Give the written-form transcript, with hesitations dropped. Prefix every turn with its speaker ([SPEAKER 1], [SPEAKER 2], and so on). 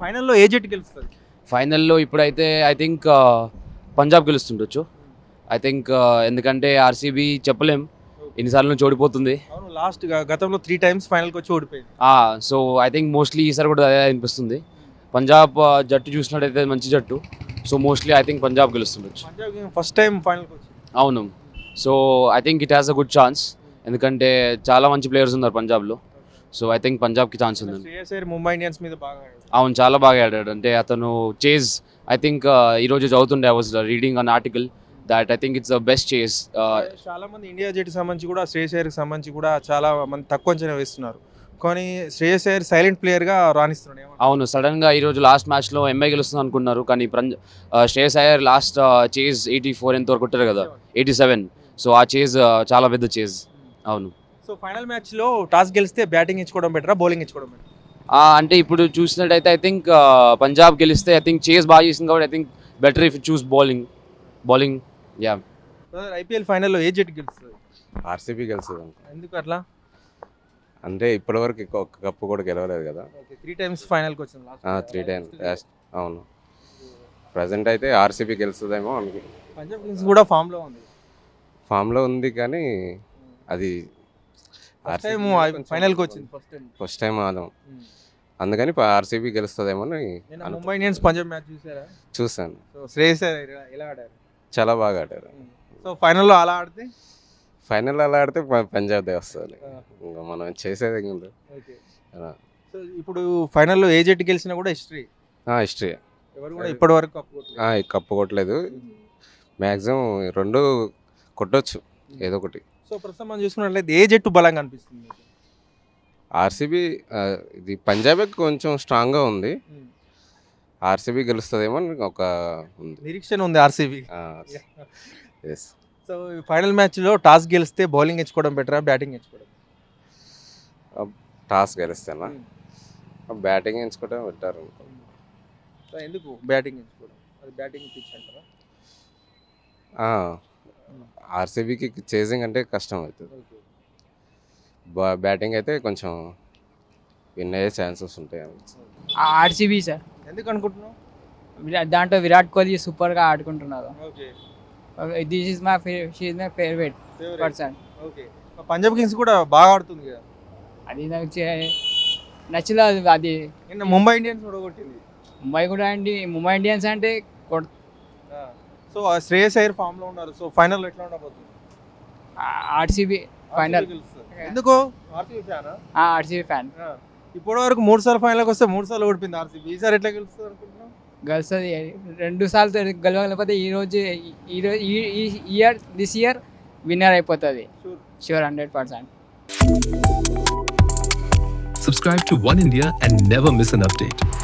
[SPEAKER 1] ఫైనల్లో ఏ జట్టు గెలుస్తుంది?
[SPEAKER 2] ఫైనల్లో ఇప్పుడైతే ఐ థింక్ పంజాబ్ గెలుస్తుండొచ్చు. ఐ థింక్ ఎందుకంటే ఆర్సీబీ చెప్పలేం ఎన్నిసార్లు నుంచి ఓడిపోతుంది.
[SPEAKER 1] అవును, లాస్ట్ గతంలో 3 times ఫైనల్కి వచ్చి ఓడిపోయింది.
[SPEAKER 2] సో ఐ థింక్ మోస్ట్లీ ఈసారి కూడా అదే అనిపిస్తుంది. పంజాబ్ జట్టు చూసినట్టయితే మంచి జట్టు. So mostly I think Punjab గెలుస్తుండొచ్చు.
[SPEAKER 1] పంజాబ్ ఫస్ట్ టైం ఫైనల్కి వచ్చింది.
[SPEAKER 2] అవును. So I think it has a good chance. ఎందుకంటే చాలా మంచి ప్లేయర్స్ ఉన్నారు పంజాబ్లో. సో ఐ థింక్ పంజాబ్కి ఛాన్స్ ఉంది.
[SPEAKER 1] శ్రేయస్ అయ్యర్ ముంబై ఇండియన్స్ మీద బాగా ఆడాడు.
[SPEAKER 2] అవును, చాలా బాగా ఆడాడు. అంటే అతను చేజ్ ఐ థింక్ ఈరోజు చదువుతుండే, I was reading an article that I think it's the best chase.
[SPEAKER 1] చాలా మంది ఇండియా జట్టు సంబంధించి కూడా శ్రేయస్ అయ్యర్కి సంబంధించి కూడా చాలా మంది తక్కువ అంచనా వేస్తున్నారు. కానీ శ్రేయస్ అయ్యర్ సైలెంట్ ప్లేయర్గా రాణిస్తున్నాడు.
[SPEAKER 2] అవును, సడన్గా ఈరోజు లాస్ట్ మ్యాచ్లో ఎంఐ గెలుస్తుంది అనుకున్నారు. కానీ శ్రేయస్ అయ్యర్ లాస్ట్ చేజ్ 84 ఎంతవరకు కొట్టారు కదా, 87. సో ఆ చేజ్ చాలా పెద్ద చేజ్. అవును.
[SPEAKER 1] సో ఫైనల్ మ్యాచ్లో టాస్ గెలిస్తే బ్యాటింగ్ ఇచ్చుకోవడం బెటరా, బౌలింగ్ ఇచ్చుకోవడం బెటర్?
[SPEAKER 2] అంటే ఇప్పుడు చూసినట్టయితే ఐ థింక్ పంజాబ్ గెలిస్తే ఐ థింక్ చేజ్ బాగా చేసింది కాబట్టి I think better if choose bowling. Yeah.
[SPEAKER 1] IPL ఫైనల్లో ఏ జట్టు గెలుస్తుంది?
[SPEAKER 3] ఆర్సీబీ గెలుస్తుంది.
[SPEAKER 1] ఎందుకు అట్లా?
[SPEAKER 3] అంటే ఇప్పటివరకు ఒక కప్పు కూడా గెలవలేదు కదా.
[SPEAKER 1] 3 times ఫైనల్కి వచ్చింది.
[SPEAKER 3] 3 times. అవును, ప్రజెంట్ అయితే ఆర్సీబీ గెలుస్తుందేమో అనుకు.
[SPEAKER 1] పంజాబ్ కింగ్స్ కూడా ఫామ్లో ఉంది
[SPEAKER 3] కానీ అది
[SPEAKER 1] ఫైనల్కి వచ్చింది
[SPEAKER 3] ఫస్ట్ టైం ఆదాం. అందుకని ఆర్సీబీ గెలుస్తుందేమో అని.
[SPEAKER 1] ముంబై ఇండియన్స్ పంజాబ్ మ్యాచ్ చూసారా?
[SPEAKER 3] చూసాను.
[SPEAKER 1] సో శ్రేయస్ అయ్యర్ ఎలా ఆడారు?
[SPEAKER 3] చాలా బాగా ఆడారు.
[SPEAKER 1] సో ఫైనల్లో అలా ఆడితే
[SPEAKER 3] పంజాబ్ దే వస్తుంది. ఇంకా మనం చేసేది ఉంది.
[SPEAKER 1] సో ఇప్పుడు ఫైనల్లో ఏ జట్టు గెలిచినా కూడా హిస్టరీ. ఎవరు కూడా ఇప్పటి వరకు
[SPEAKER 3] కప్పు కొట్టలేదు. మ్యాక్సిమం 2 కొట్టొచ్చు ఏదో ఒకటి.
[SPEAKER 1] సో ప్రస్తుతం మనం చూసుకున్నట్లయితే ఏ జట్టు బలంగా అనిపిస్తుంది?
[SPEAKER 3] ఆర్సీబీ. ఇది పంజాబే కొంచెం స్ట్రాంగ్గా ఉంది. ఆర్సీబీ గెలుస్తుందేమో ఒక
[SPEAKER 1] నిరీక్షణ ఉంది ఆర్సీబీ.
[SPEAKER 3] ఎస్.
[SPEAKER 1] సో ఫైనల్ మ్యాచ్లో టాస్ గెలిస్తే బౌలింగ్ ఇచ్చుకోవడం బెటరా, బ్యాటింగ్ ఇచ్చుకోవడం?
[SPEAKER 3] టాస్ గెలిస్తేనా బ్యాటింగ్ ఎంచుకోవడం బెటర్.
[SPEAKER 1] సో ఎందుకు బ్యాటింగ్ ఎంచుకోవడం? అది బ్యాటింగ్ పిచ్ అంటారా?
[SPEAKER 3] ఆర్సీబీకి చేజింగ్ అంటే కష్టం అవుతుంది. బ్యాటింగ్ అయితే కొంచెం విన్ అయ్యే ఛాన్సెస్ ఉంటాయి.
[SPEAKER 4] RCB sir.
[SPEAKER 1] ఎందుకు అనుకుంటున్నావు?
[SPEAKER 4] దాంట్లో విరాట్ కోహ్లీ సూపర్గా ఆడుకుంటున్నారు. This is my favourite person.
[SPEAKER 1] Punjab kings కూడా బాగా ఆడుతుంది కదా.
[SPEAKER 4] అది నాకు నచ్చలేదు. అది
[SPEAKER 1] నిన్న ముంబై ఇండియన్స్ కూడా కొట్టింది.
[SPEAKER 4] ముంబై ఇండియన్స్ అంటే
[SPEAKER 1] సో శ్రేయస్ అయ్యర్ ఫామ్ లో ఉన్నారు. సో ఫైనల్ ఎట్లా ఉండబోతుంది?
[SPEAKER 4] RCB final.
[SPEAKER 1] ఎందుకు? RCB
[SPEAKER 4] fan.
[SPEAKER 1] ఇప్పటి వరకు 3 సార్లు ఫైనల్కి వస్తే 3 సార్లు ఓడిపోయింది ఆర్సీబీ. ఈసారి ఎట్లా గెలుస్తుంది అనుకుంటున్నాం?
[SPEAKER 4] గెలుస్తుంది. 2 సార్లు గెలవకపోతే దిస్ ఇయర్ విన్నర్ అయిపోతుంది. Sure 100%.
[SPEAKER 5] Subscribe to One India and never miss an update.